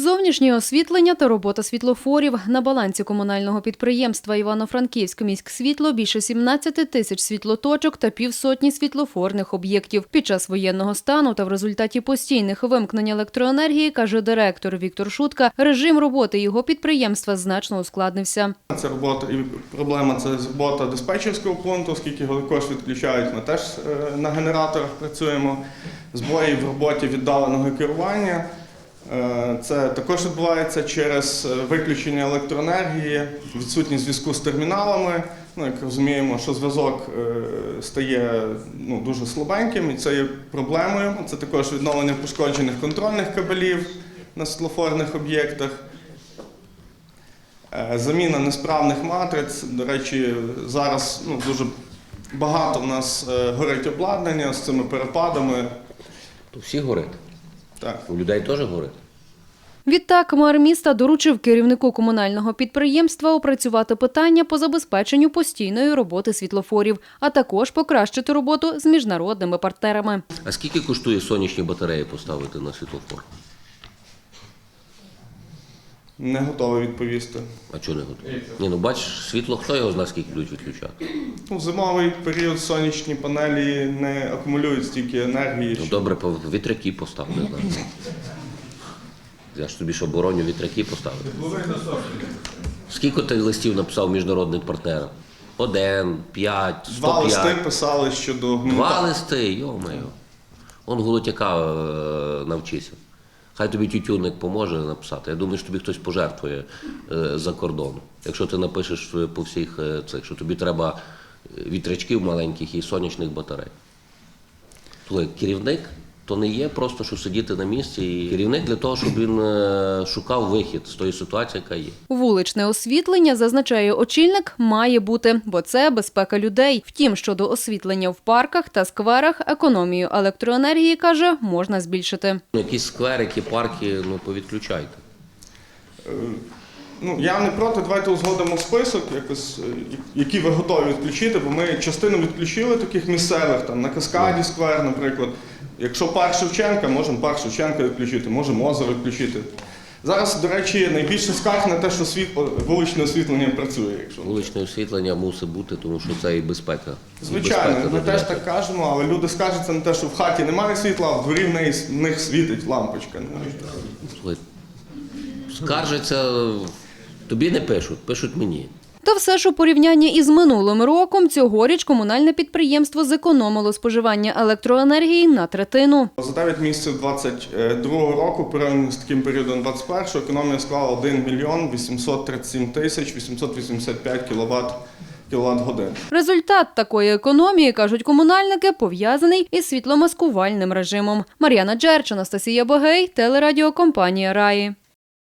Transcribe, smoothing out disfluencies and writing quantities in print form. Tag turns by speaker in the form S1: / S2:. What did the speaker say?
S1: Зовнішнє освітлення та робота світлофорів. На балансі комунального підприємства «Івано-Франківськ міськсвітло» більше 17 тисяч світлоточок та півсотні світлофорних об'єктів. Під час воєнного стану та в результаті постійних вимкнень електроенергії, каже директор Віктор Шутка, режим роботи його підприємства значно ускладнився.
S2: Це робота і проблема – це робота диспетчерського пункту, оскільки також відключають, ми теж на генераторах працюємо. Збої в роботі віддаленого керування. Це також відбувається через виключення електроенергії, відсутність зв'язку з терміналами. Як розуміємо, що зв'язок стає дуже слабеньким і це є проблемою. Це також відновлення пошкоджених контрольних кабелів на світлофорних об'єктах. Заміна несправних матриць. До речі, зараз дуже багато в нас горить обладнання з цими перепадами.
S3: То всі горить?
S2: Так.
S3: У людей теж горить?
S1: Відтак, мер міста доручив керівнику комунального підприємства опрацювати питання по забезпеченню постійної роботи світлофорів, а також покращити роботу з міжнародними партнерами.
S3: А скільки коштує сонячні батареї поставити на світлофор?
S2: Не готовий відповісти.
S3: А чого не готовий? Бачиш, світло, хто його знає, скільки будуть відключати?
S2: В зимовий період сонячні панелі не акумулюють стільки енергії.
S3: Добре, вітряки поставити. Я ж тобі що, бороню вітряки поставити? Скільки ти листів написав міжнародним партнерам? 1, 5, 105?
S2: 2 листи писали щодо...
S3: 2 листи, йо-моє. Он Голотяка навчися. Хай тобі тютюнник поможе написати. Я думаю, що тобі хтось пожертвує за кордону. Якщо ти напишеш по всіх цих, що тобі треба вітрячків маленьких і сонячних батарей. Твій керівник то не є просто, що сидіти на місці. І керівник для того, щоб він шукав вихід з тої ситуації, яка є.
S1: Вуличне освітлення, зазначає очільник, має бути, бо це безпека людей. Втім, щодо освітлення в парках та скверах, економію електроенергії, каже, можна збільшити.
S3: Якісь скверики, парки, повідключайте.
S2: Я не проти, давайте узгодимо список, які ви готові відключити, бо ми частину відключили таких місцевих, на Каскаді сквер, наприклад. Якщо парк Шевченка, можемо парк Шевченка відключити, можемо озеро відключити. Зараз, до речі, найбільше скарг на те, що вуличне освітлення працює.
S3: Вуличне освітлення мусить бути, тому що це і безпека.
S2: Звичайно, ми теж так кажемо, але люди скаржаться на те, що в хаті немає світла, а в дворі в них світить лампочка.
S3: Скаржаться, тобі не пишуть, пишуть мені.
S1: Та все ж у порівнянні із минулим роком цьогоріч комунальне підприємство зекономило споживання електроенергії на третину.
S2: За 9 місяців 2022 року, порівняно з таким періодом 2021, економія склала 1 мільйон 837 тисяч 885 кіловат-годин.
S1: Результат такої економії, кажуть комунальники, пов'язаний із світломаскувальним режимом. Мар'яна Джерч, Анастасія Богей, телерадіокомпанія «Раї».